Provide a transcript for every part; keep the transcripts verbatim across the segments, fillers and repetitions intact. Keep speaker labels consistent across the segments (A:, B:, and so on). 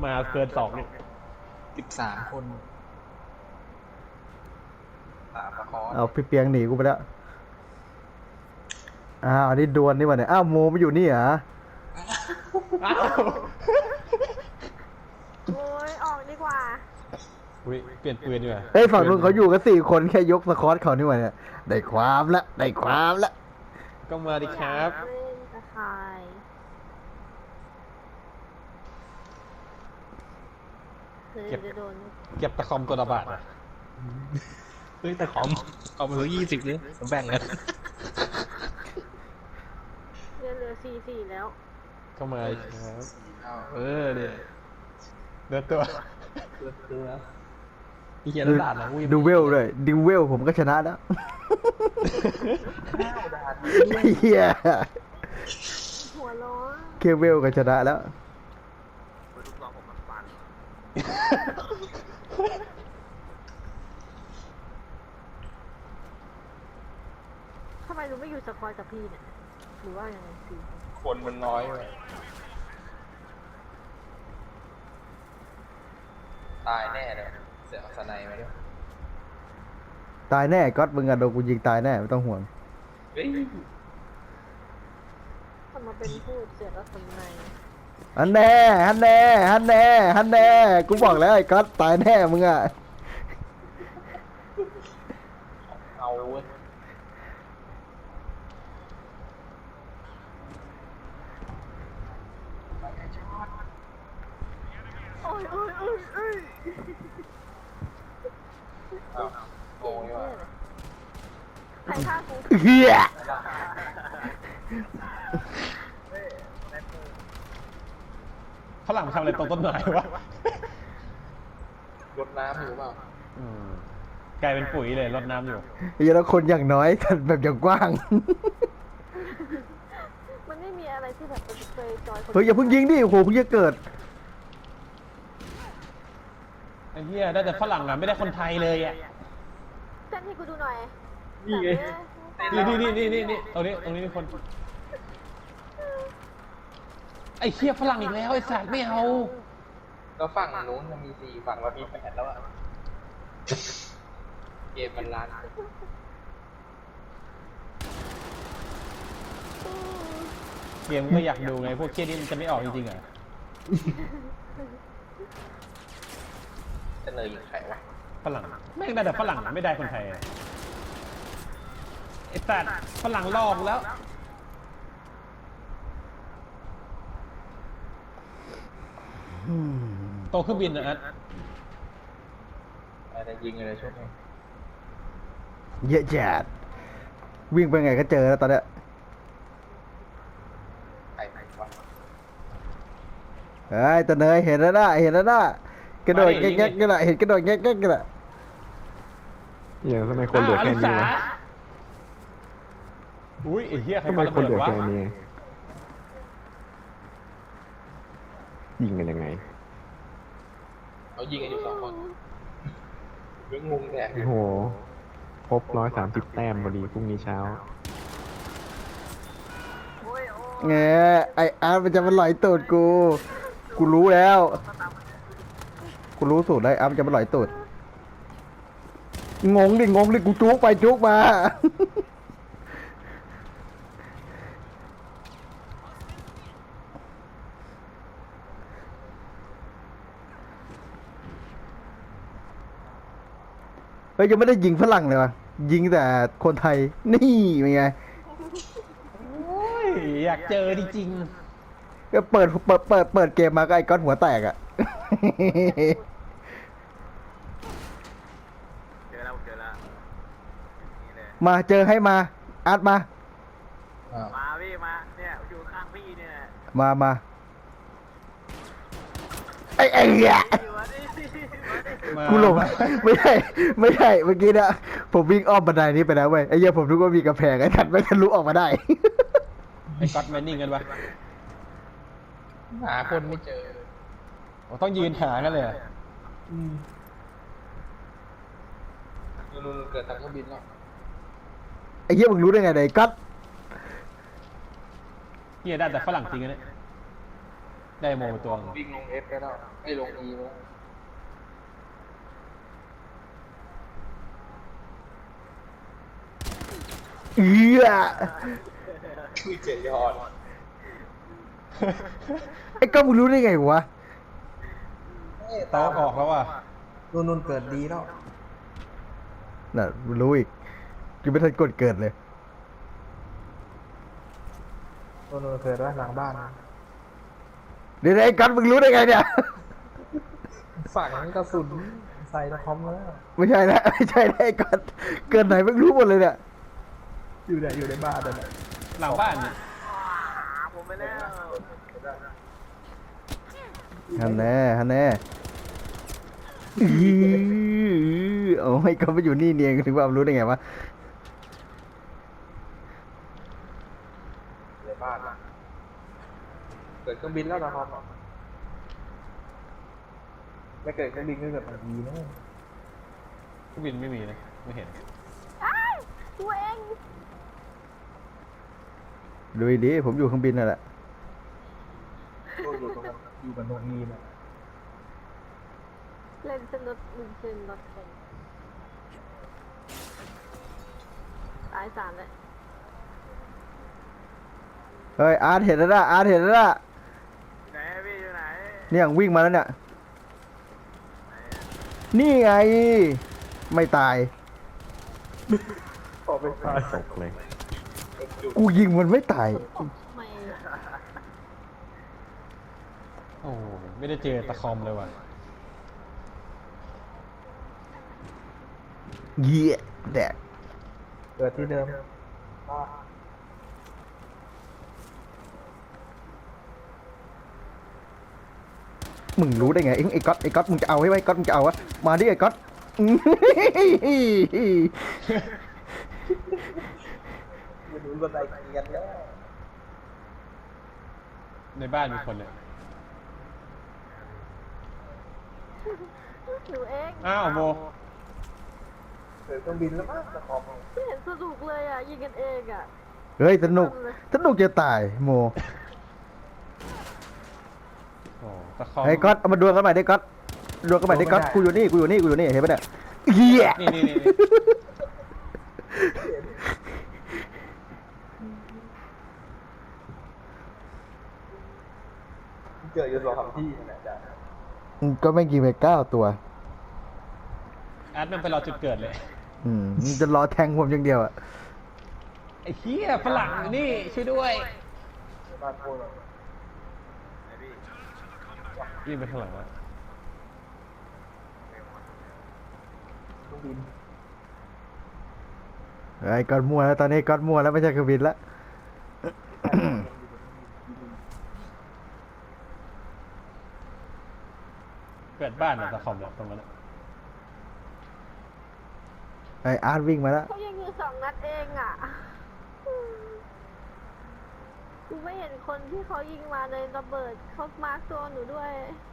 A: มาเกินสองเนี่ย
B: สิบสามคนสามละคร
C: เอาพี่เปียงหนีกูไปแล้วอ้าวนี่ดวลนี่วะเนี่ยอ้าวโมไม่อยู่นี่เหรอ
D: โอ้ยออกดีกว่า
A: อุ้ยเปลี่ยนปืนดีกว่า
C: เฮ้ยฝั่งนู้นเขาอยู่กันสี่คนแค่ยกสคอตเขานี่วะเนี่ยได้ความละได้ความละ
A: ก็มาดิครับ
D: เล่นตะไคร้เก็บโดน
A: เก็บตะคอมตัวละบาทอ่ะ
B: เฮ้ยแต่ของเอามาเหลือยี่สิบเลยแบ่งกัน
D: เลือเหลือสี่สี่แล้ว
A: ก็มาดิครับ
B: เออเนี่ย
A: เดือดตัว
B: เดือดตัวพี่เฮียด่านะ
C: ดูเวลเลยดูเวลผมก็ชนะแล้วเฮีย
D: หัวร้อน
C: เคเวลก็ชนะแล้ว
D: ทำไมหนูไม่อยู่สควอตกับพี่เนี่ยหรือว่ายังไงสิ
B: คนมันน้อยเลยตายแน่เลยเสียสไนมาด้วย
C: ตายแน่ก๊อตมึงอะโดนกูยิงตายแน่ไม่ต้องห่วง
B: เฮ้ย
D: ทำมาเป็นพูดเสียแล้วทำไม
C: ฮันแน่ฮันแน่ฮันแน่ฮันแน่กูบอกแล้วไอ้ก๊อตตายแน่มึงอะ
B: เอาเว้ย
D: โอ้ยโอ้ยโอ้ยโอ้ย
B: โอ้ยว่ะ
D: ใครฆ่ากู
C: เฮีย
A: ฝรั่งทำอะไรตรงต้นไม้วะ
B: รดน้ำอยู่เปล่า
A: อืมกลายเป็นปุ๋ยเลยรดน้ำอยู่
C: เฮียแล้วคนอย่างน้อยกันแบบอย่างกว้าง
D: มันไม่มีอะไรที่แบบเป็นเคยจอย
C: เฮ้ยอย่าเพิ่งยิงดิโอ้โหเพิ่งจะเกิด
A: ไอ้เหี้ยได้แต่ฝรั่งอ่ะไม่ได้คนไทยเลยอ่ะ
D: เต้นให้กูดูหน่อย
A: นี่ไงนี่นี่นี่นี่นี่ตรงนี้ตรงนี้มีคนไอ้เหี้ยฝรั่งอีกแล้วไอ้สัตว์ไม่เอา
B: แล้วฝั่งนู้นมันมีสี่ฝั่งเรามีแปดแล้วอ่ะเกมมันล้าน
A: เกมก็อยากดูไงพวกเคียนี่มันจะไม่ออกจริงๆอ่ะ
B: จะเนยยิงใครวะ
A: ฝรั่งไม่ได้แต่ฝรั่งไม่ได้คนไทยไอ้สัตว์ฝรั่งลอกแล้วโตเครื่องบินนะอัด
B: อะไรยิงอะไรช่วงนี้
C: เยอะจัดวิ่งไปไงก็เจอแล้วตอนเนี้ย
B: ไอ้ไหนวะ
C: เฮ้ยตะเนยเห็นแล้วนะเห็นแล้วนะกระโดดแง่ๆกันละเห็นกระโดดแง่ๆกันละ
E: อย่างทำไมคนเหลือแค่นี้วะ
A: อุ้ยไอ้เหี้ย
E: ทำไมคนเหลือแค่นี้ยิงกันยังไง
B: เขายิงกันอยู่สองคนเรื่องงงแดก
E: โอ้โหครบร้อยสามสิบแต้มพอดีพรุ่งนี้เช้า
C: แงไออาร์มันจะมาหลอยตูดกูกูรู้แล้วกูรู้สูตรได้อาร์มันจะมาหลอยตูดงงดิงงดิกูจุกไปจุกมาเฮ้ยยังไม่ได้ยิงฝรั่งเลยวะยิงแต่คนไทยนี่เป็นไง
A: อยากเจอจริง
C: ๆก็เปิดเปิดเปิดเปิดเกมมาก็ไอ้ก้อนหัวแตกอะ
B: เจอแล้วเจอแล้ว
C: มาเจอให้มาอัดมา
B: มาพี่มาเนี่ยอยู่ข้างพี่เนี่ย
C: มามาไอ้ไอ้เหี้ยกูหลงไม่ใช่ไม่ใช่เมื่อกี้นะผมวิ่งอ้อมบันไดนี้ไปแล้วเว้ยไอ้เหี้ยผมนึกว่ามีกระแพงไอ้ทัดไม่ทะลุออกมาได้
A: ไอ้ก๊อตแมนนิ่งกันปะ
B: หาคนไม่เจอ
A: ต้องยืนหากันเลย
B: อืมนู่นเกิดทางเครื่องบินแล้ว
C: ไอ้เหี้ยมึงรู้ได้ไงไอ้ก๊อต
A: เหี้ยได้แต่ฝรั่งจริงนะเนี่ยได้โมไปตัวหนึ่ง
B: วิ่งลงเอฟไปแล้วไม่ลงอีแล้ว
C: เอื้อ
B: คุยเจ็ดยอด
C: ไอ้ก้อนมึงรู้ได้ไงวะ
A: เตาออกแล้วว่ะ
B: นุ่นนุ่นเกิดดีแล้ว
C: น่ะมึงรู้อีกกูไม่ทันกดเกิดเลย
B: นุ่นนุ่นเกิดว่าหลังบ้าน
C: เดี๋ยวไอ้ก้อนมึงรู้ได้ไงเนี่ย
B: ฝังกระสุนใส่ตะคอมแล้ว
C: ไม่ใช่นะไม่ใช่นะไอ้ก้อนเกิดไหนมึงรู้หมดเลยเนี่ย
B: อยู่ไหนอยู่ในบ้านนั่นแหละ
A: หลังบ้านเนี่ย
C: ฮันแน่ฮันแน่อื้อโอ้ยก็ไปอยู่นี่เนียงถึงว่ารู้ได้ไงวะ
B: ในบ้านเกิดเครื่องบินแล้วตะคอมไม่เกิดเครื่องบินก็เกิดมันดีนะ
A: เครื่องบินไม่มีนะไม่เห็น
D: อ้ายตัวเอง
C: ดูดีผมอยู่เครื่องบินนั่นแหละ
B: อยู่ตรงนั้นอยู่กับโนอีนะ
D: เล่นสนุกมึงเล่นรถแข่งตายสามเลย
C: เฮ้ยอาร์ตเห็นแล้วนะอาร์ตเห็นแล้วนะ
B: ไหนพี่อยู่ไหน
C: เนี่ยวิ่งมาแล้วเนี่ยนี่ไง ไม่ตาย
B: ออกไปตาย
E: ตกเลย
C: กูยิงมันไม่ตาย
D: ฝนตกทำไมอะ
A: โอ้ไม่ได้เจอตะคอมเลยว่ะ
C: เยี่ยแดก
B: เกิดที่เดิม
C: มึงรู้ได้ไงเอ็งไอ้ก๊อตไอ้ก๊อตมึงจะเอาให้ไหมก๊อตมึงจะเอาวะมาดิไอ้ก๊อต
B: ไม่รู้บันไดเกียนแล้ว
A: ในบ้านมีคนเลย
D: หนูเอง
A: อ้าวโม
B: เกิดเครื่องบินแล้วมั้งตะคอม
D: ไม่เห็นสนุกเลยอ่ะยิงกันเองอ่ะ
C: เฮ้ยสนุกสนุกจะตายโม
A: โอ้ตะคอม
C: ไอ้ก๊อตเอามาดวลกันใหม่ดิก๊อตดวลกันใหม่ดิก๊อตกูอยู่นี่กูอยู่นี่กูอยู่นี่เห็นปะเนี่ยเหี้ย
A: นี่นี่นี่นี่
B: เกิดอยู่สองสามที่นะจ๊ะ
C: อืมก็ไม่กี่ไปเก้าตัว
A: อาร์ตมันไปรอจุดเกิดเลย
C: อืมมึงจะรอแทงผมอย่างเดียวอะ
A: ไอ้เหี้ยฝรั่งนี่ช่วยด้วย
B: ในบ้านโคตร
A: วิ่งไปข้างหลังวะ
B: เครื่องบิน
C: ไอ้ก๊อตมั่วแล้วตอนนี้ก๊อตมั่วแล้วไม่ใช่เครื่องบินละ
A: เกิดบ้านอะตะคอมเนี่ยตรงนั้นอะ
C: ไอ้อาร์ตวิ่งมาแล้ว
D: เขายิงอยู่สองนัดเองอ่ะกูไม่เห็นคนที่เขายิงมาเลยระเบิดเขามาร์คตัวหนูด้วย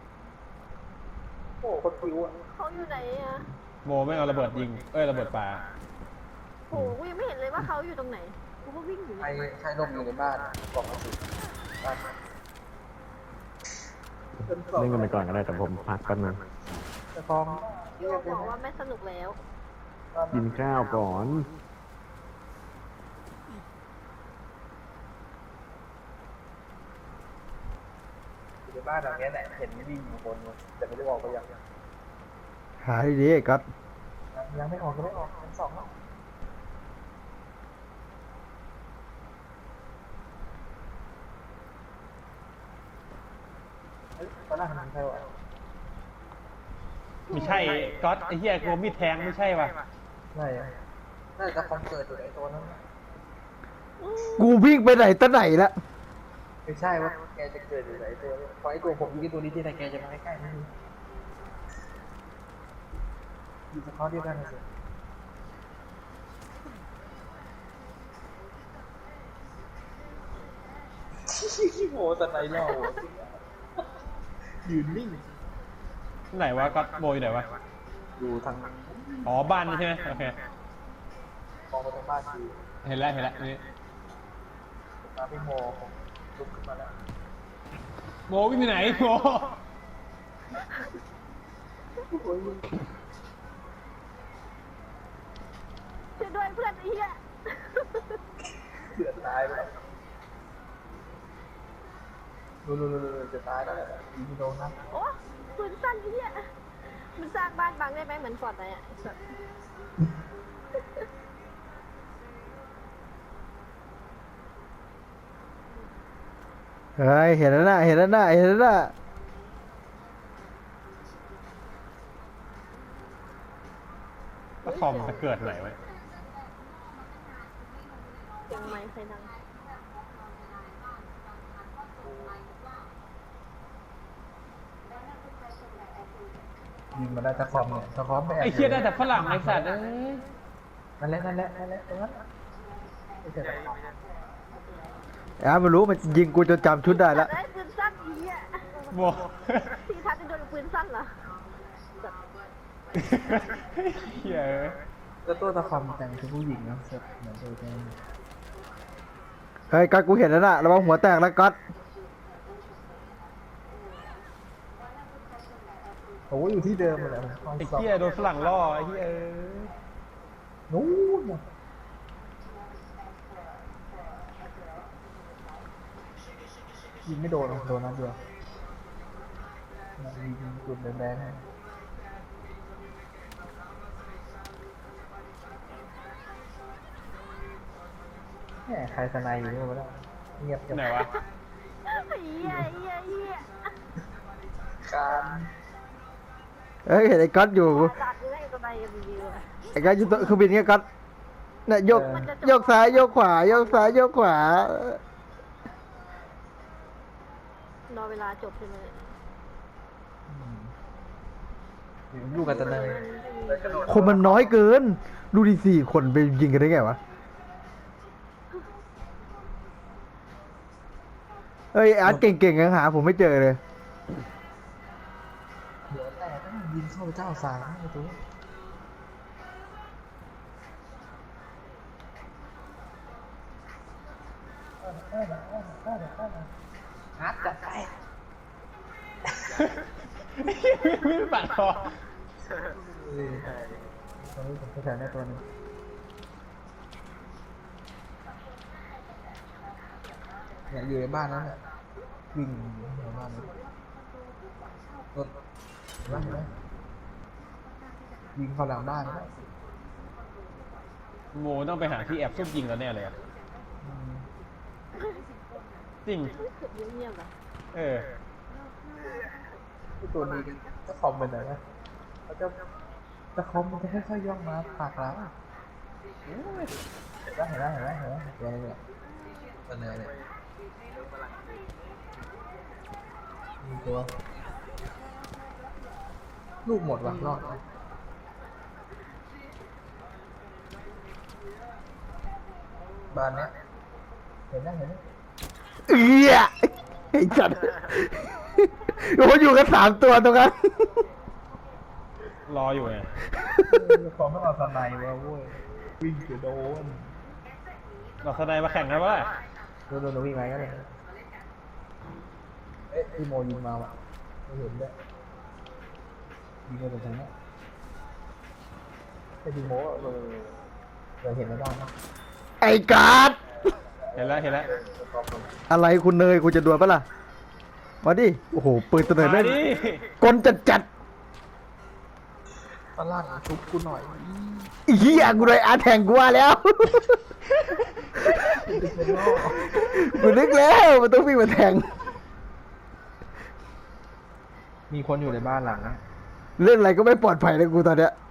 B: โอ้คนผิวอ่ะ
D: เขาอยู่ไหนอ่ะ
A: โมไม่เอาระเบิดยิงเอ้ยระเบิดปลา
D: โหกูยังไม่เห็นเลยว่าเขาอยู่ตรงไหนกูก็วิ่งอยู่
B: ใครใครลมอยู่ในบ้านกล่องกระสุนบ้าน
E: เล่นกันไปก่อนก็ได้แต่ผมพักแป๊บนึง
B: ตะคอม
D: พี่โอบอกว่าไม่สนุกแล้ว
E: กินข้าวก่อน
B: อยู่ในบ้านหลังนี้แหละเห็นวิ่งอยู่บนแต่ไม่ได้บอกไปยัง
C: หาดีๆไอ้ก๊อต
B: ยังไม่ออกก็ไม่ออกชั้นสองแล้วตอนแรกมันใช่วะ
A: ไม่ใช่ก๊อตไอ้เหี้ยกลัวมีดแทงไม่ใช่ว่ะ
B: ไม่อะน่าจะคอมเกิดอยู่ไอ้ตัวนั้น
C: กูวิ่งไปไหนตะไหนละ
B: ไม่ใช่ว่าแกจะเกิดอยู่ไอ้ตัวนี้พอไอ้ตัวผมยิงไอ้ตัวนี้ที่ไหนแกจะมาใกล้ๆนี่อยู่สะท้อนเดียวกันนะสิโมสไนเล่ายืนนิ่ง
A: ไหนวะก๊อตโมอยู่ไหนวะ
B: อยู่ทาง
A: อ๋อบ้านนี่ใช่ไหมโอเค
B: มองไปทางบ้านคือ
A: เห็นแล้วเห็นแล้วนี่
B: ตาพี่โมลุกขึ้นมาแล้ว
A: โมวิ่งไปไหนโม
D: ช่วยด้วยเพื่อนไอ้เหี้ย
B: เดือดตายไปแล้วดูดูดูดูจะตายแล้วยิงไม่โดนนะ
D: โอ้ปืนสั้นไอ้เหี้ยมันสร้างบ้านบังได้ไหมเหมือนฟอร์ดไหนอ่ะแบบ
C: เฮ้ยเห็นแล้วนะเห็นแล้วนะเห็นแล้วนะ
A: แล้วคอมจะเกิดไหนไว้
D: เสียงไม้ใครดัง
B: ยิงมาได้ตะคอมเนี่ยตะคอมไม่แอบ
A: ไอ้เคียได้แต่ฝรั่งไอ้สัตว์เอ้ย
B: นั่นแหละนั่นแหละนั่นแหละตรงนั้นไม่ใช่ตะคอม
C: ไอ้อาร์ตมันรู้มันยิงกูจนจำชุดได้แล้ว
D: ได้ปืนสั้นไอ้เหี้ย
A: โม
D: ที่ทัดจะโดนปืนสั้นเหรอแบบ
A: เฮีย
B: ก็ตัวตะคอมแต่งคือผู้หญิงนะเสื้อเหมือนตัวแก
C: เฮ้ยกัดกูเห็นแล้วนะระวังหัวแตกแล้วกัด
B: โอ้อยู่ที่เดิมเลย
A: ไอ้เฮียโดนฝรั่งล่อไอ้เฮียเอ้ย
B: นู้นยิงไม่โดนโดนนัดเดียวยิงจุดแดงๆให้แหมใครสนายอยู่นี่วะเนี่ยเงียบจัง
A: ไหนวะ
D: ไอ้เหี้ยไอ้เหี้ยไอ้เหี้ย
B: การ
C: เฮ้ยเห็นไอ้กัดอยู่
D: ตัดเลยตัวใดรีวิวอะ
C: ไอ้กัดอยู่ตัวเครื่องบินเงี้ยกัดเนี่ยยกยกซ้ายยกขวายกซ้ายยกขวาร
D: อเวลาจบใช่ไหม
B: อยู่กันแต่เนิน
C: คนมันน้อยเกิน ดูดิสี่คนไปยิงกันได้ไงวะเฮ้ยอาร์ตเก่งๆยังหาผมไม่เจอเลย
B: เดี๋ยวแต่ต้องยิงเข้าเจ้าสามไอ้ตัวฮัดจัดไป
A: ไม่ปัดคอ
B: ตอนนี้ผมแถวนี้ตัวนึงเนี่ยอยู่ในบ้านนั้นเนี่ยวิ่งอยู่ในบ้านนั้นรถเห็นไหมเห็นไหมยิงเข้าหลังบ้านแล้ว
A: โมต้องไปหาที่แอบซุ่มยิงแล้วแน่เลยอะจริง
D: เงียบๆอะ
A: เออ
B: ตัวนี้จะคอมเป็นไหนนะเขาจะจะคอมมันจะค่อยๆย่องมาปากร้านเห็นไหมเห็นไหมเห็นไหมเห็นไหมตัวนี้เนี่ยตัวเนื้อเนี่ยมีตัวลูกหมดว่ะรอดไหมบ้านเนี้ยเห็นไหมเห็นไหม
C: เอี้ยไอ้จัดโอ้อยู่กันสามตัวตรงนั้น
A: รออยู่ไง
B: ขอไม่เอาสไนด์วะเว้ยวิ่งจะโดน
A: เราแสดงมาแข่งกันวะ
B: โดนโดนวิ่งไงก็ได้เอ๊ะพี่โมยิงมาว่ะไม่เห็นด้วยยิงมาจากทางนี้ไอ้พี่โมเออเราเห็นไม่ได้นะ
C: ไอ้การ์ด
A: เห็นแล้วเห็นแล้ว
C: อะไรคุณเนยคุณจะดวลปะล่ะมาดิโอ้โหปืนตัวเนย
A: มา
C: เล่น
A: ดิ
C: กลจัดจัด
B: ฝรั่งชุบกูหน่อย
C: ๆอีเหี้ยกูเลยอาร์ตแทงกูว่าแล้วกูนึกแล้วมันต้องวิ่งมาแทง
B: มีคนอยู่ในบ้านหลังนะ
C: เล่นอะไรก็ไม่ปลอดภัยเลยกูตอนเนี้ย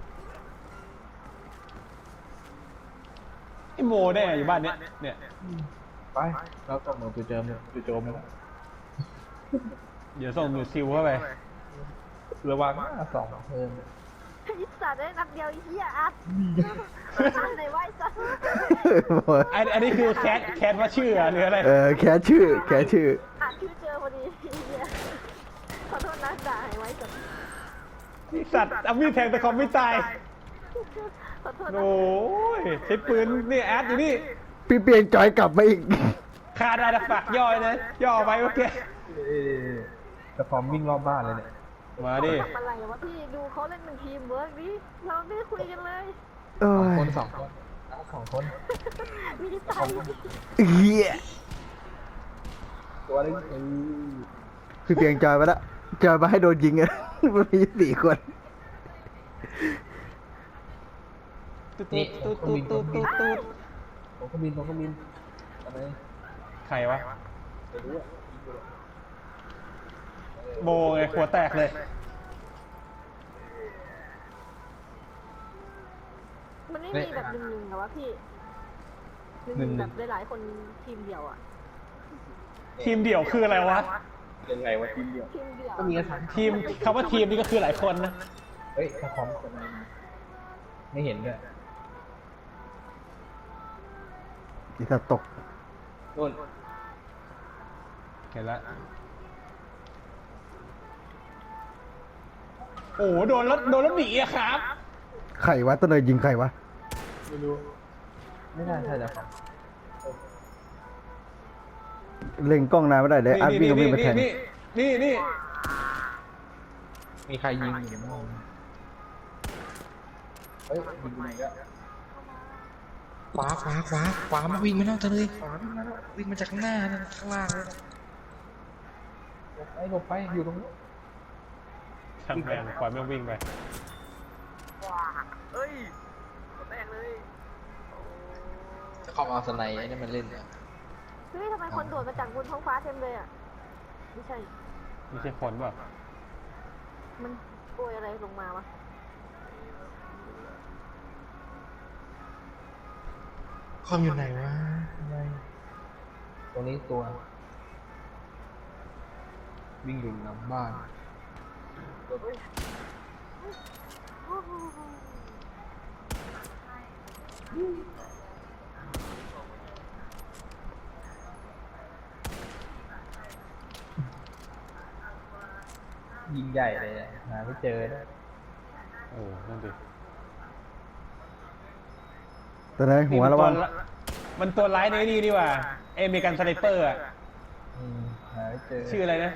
A: ไอ้โมแน่อยู่บ้านเนี้ยเนี่ย
B: ไปเราตบมือจุดเจิมจุดโจมแล้ว
A: เดี๋ยวส่งหนูซิลเข้าไป
B: ระวังนะสองเพิ่ม
D: ไอ้สัตว์ได้นัดเดียวไอ้เหี้ยอัดอัดไหนวะไอ้สัตว์
A: อันอันนี้คือแคทแคทว่าชื่อหรืออะไร
C: เออแค่ชื่อแค่ชื่อ
D: อัดชื่อเจอพอดีไอ้เหี้ยขอโทษนะด่าให้ไว้สัตว์
A: นี่สัตว์เอามีดแทงแต่คอมไม่ตาย
D: ขอโทษนะ
A: โอ้ยใช้ปืนนี่แอดอยู่นี่
C: พี่เปลี่ยนจอยกลับมาอีก
A: คาดาดฝักย่อยนะย่อไปเมื่อกี้
B: ตะคอมวิ่งรอบบ้านเลยเนี่ย
A: มาดิ
D: ทำอะไรวะพี่ดูเขาเล่นเป็นทีมเวิร์กดิเราไม่ได้คุยกันเลย
C: เอ้
B: สอง
C: ย
B: คนสองคนเอาสองคน
D: มีใจ
C: เฮีย
B: ตัวนึงเออ
C: พี่เพียงจอยมาละจอยมาให้โดนยิงอะ มันมีสี่คน
A: ตุ๊ดตุ๊ดตุ๊ดตุ๊ดตุ๊ดตุ๊ด
B: ผมก็บินผมก็บินอะไร
A: ใครวะ
B: ไม่รู้อะ
A: โบไงหัวแตกเลย
D: มันไม่มีแบบหนึ่งหนึ่งเหรอวะพี่หนึ่งแบบหลายๆคนทีมเดียวอ่ะ
A: ทีมเดี่ยวคืออะไรวะ
B: ยังไงวะทีมเดียว
D: ทีมเดียว
B: ก็มีกันสาม
A: ทีมคำว่าทีมนี่ก็คือหลายคนนะ
B: เฮ้ยตะคอมคนอะไรมาไม่เห็นด้วย
C: อีสัตว์ตก
B: นู่น
A: เห็นละโอ้โหโดนรถโดนรถหนีอะครับ
C: ไข่วะต้นเลยยิงไข่วะ
B: ไม่รู้ไม่น่าใช่ตะคอม
C: เล็งกล้องนานไม่ได้เลยอาร์ตวิ่งก็วิ่งไปแทง
A: นี่นี่นี่
B: มีใครยิงอยู่บ้างเฮ้ยยิงอยู่ไหนก็ขวาขวาขวาขวามาวิ่งมาแล้วเธอเลยขวาวิ่งมาแล้ววิ่งมาจากข้างหน้านะข้างล่างเลยนะหลบไปหลบไปอยู่ตรงนี้
A: ช่างแรงปล่อยแม่งวิ่งไป
B: จะเข้ามาเอาสไนด์ไอ้นี่มันเล่นเนี่ย
D: เฮ้ยทำไมคนโดดมาจากบนท้องฟ้าเต็มเลยอ่ะไม่ใช่
A: ไม่ใช่คนป่ะ
D: มันโปรยอะไรลงมาวะ
B: คอมอยู่ไหนวะตรงนี้ตัว วิ่งอยู่หลังบ้าน ยิงใหญ่เลยอะหาไม่เจอนะ
A: เออนั่นดิ
C: ต้นเลยหัวระวัง
A: นี่มันตัวมันตัวร้ายในนี่นี่หว่าเอเมริกันสไนเปอร์อะ
B: อืมหาไม่เจอ
A: ชื่ออะไรนะ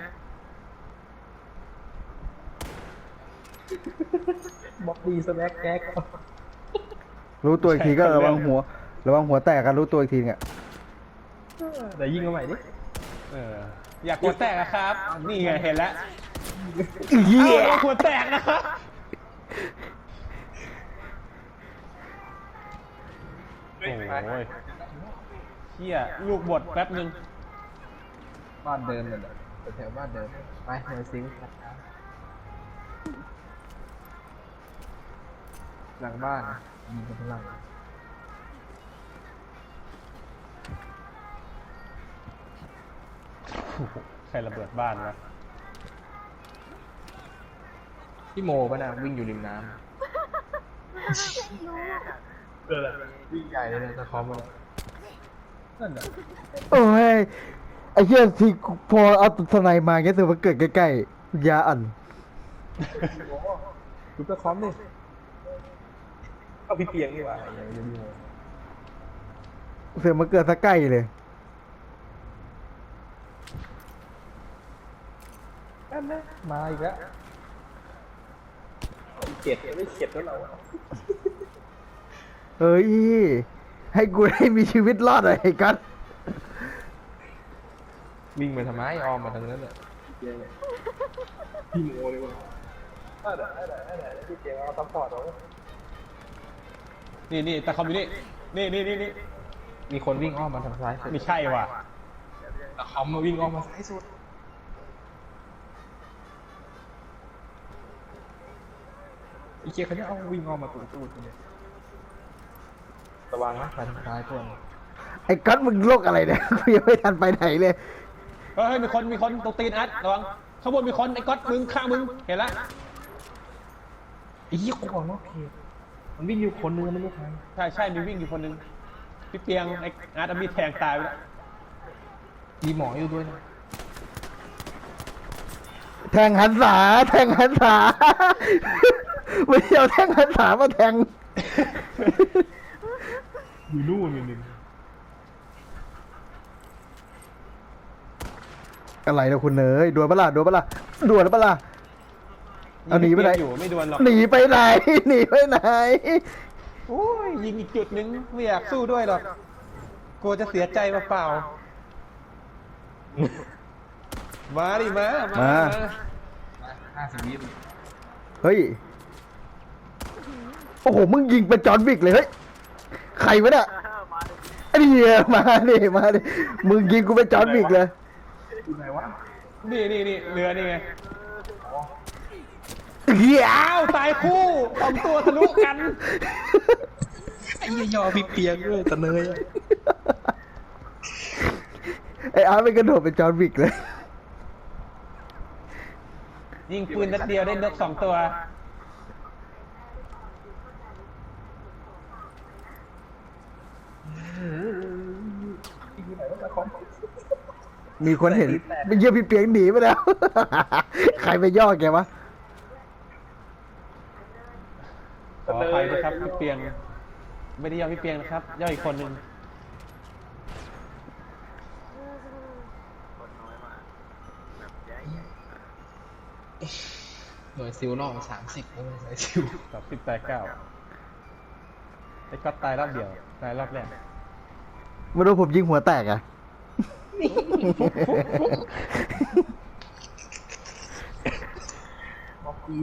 B: บ๊อบบี้สแน็คแก๊ก
C: รู้ตัวอีกทีก็ระวังหัว ระวังหัวแตกกันรู้ตัวอีกทีเนี่ย
B: เดี๋ยวยิงมาใหม่ดิ
A: เอออยากหัวแตกอะครับ นี่ไงเห็นแล้ว
C: เฮีย
A: เอ้าหัวแตกนะครับโอ้ยเฮียลูกบดแป๊บนึง
B: บ้านเดิมเลยแถวบ้านเดิมไปเดี๋ยวซิงค์หลังบ้านนะยิงกันข้างหลัง
A: ใครระเบิดบ้านวะ
B: พี่โมป่ะนะวิ่งอยู่ริมน้ำเออวิ่งใหญ่เลยนะตะคอมมันนั่นแหละ
C: โอ้ยไอ้เหี้ยที่พอเอาสไนมาเงี้ยถือว่าเกิดใกล้ๆยาอัน
B: ดูตะคอมดิเอาพี่เตียงดีกว่าอย่างนี้
C: เสือมาเกิดซะใกล้เลย
B: นั่นนะมาอีกแล้วเข็ดไม่เข็ดแล้วเรา
C: เฮ้ย ให้กูได้มีชีวิตรอดหน่อยไอ้กัส
B: วิ่งมาทำไมออมมาทางนั้นเลยพี่โมเลยว่ะได้ได้ได้ได้พี่เจเอาซัพพอร์ตเรา
A: นี่นี่แต่คอมอยู่นี่นี่นี่นี่นี่
B: มีคนวิ่งอ้อมมาทางซ้ายสุด
A: ไม่ใช่ว่ะ
B: แต่คอมมาวิ่งอ้อมมาซ้ายสุดอีเจเขาจะเอาวิ่งอ้อมมาตูดตูดเนี่ยระวังนะทางซ้ายพวก
C: ไอ้กัสมึงโรคอะไรเนี่ย กูยังไม่ทันไปไหนเลย
A: เฮ้ยมีคนมีคนตรงตีนอัดระวังข้างบนมีคนไอ้ก๊อตมึงข้างมึงเห็นละ
B: ไอ้เหี้ยกูบอกนอกเขตมันวิ่งอยู่คนนึงไม่รู้ใคร
A: ใช่ใช่มีวิ่งอยู่คนนึงพี่เปียงไอ้อาร์ตเอามีดแทงตายไปแล้ว
B: มีหมออยู่ด้วยนะ
C: แทงหันษาแทงหันษา ไม่ได้เอาแทงหันษามาแทง
B: อยู่นู่นอยู่นึง
C: อะไรนะคุณเนยดวลปะล่ะดวลปะล่ะดวลปะล่ะเอาหนีไปไหน
A: อยู่ไม่ดวลหรอก
C: หนีไปไหนหนีไปไหน
A: โอ้ยยิงอีกจุดหนึงไม่อยากสู้ด้วยหรอกกลัวจะเสียใจเปล่าๆมาดิมามา
B: ห้าสิบวิ
C: เฮ้ยโอ้โหมึงยิงเป็นจอห์นวิกเลยเฮ้ยใครวะเนี่ยไอ้เหี้ยมาดิมาดิมึงยิงกูเป็นจอห์นวิกเลย
B: อยู่ไหนวะ
A: นี่นี่นี่เรือนี่ไง
C: เหี้ย
A: อ้าวตายคู่สองตัวทะลุกัน
B: ไอ้ยยอพี่เปียกด้วยตะเนย
C: ไอ้อาร์ตไปกระโดดเป็นจอห์นวิกเลย
A: ยิงปืนนัดเดียวได้นกสองตัว
C: มีคนเห็นไปเยี่ยมพี่เปียงหนีไปแล้ว ใครไปย่อแกวะ
A: ขออภัยนะครับพี่เปียง ไม่ได้ย่อพี่เปียงนะครับ ย่ออีกคนหนึ่ง
B: หน่วยซิลนอกสามสิบแล้วหน่วยซิล
A: สองสิบแปดเก้าไอ้ก็ตายรอบเดียว ตายรอบแรก
C: ไม่รู้ผมยิงหัวแตกอะ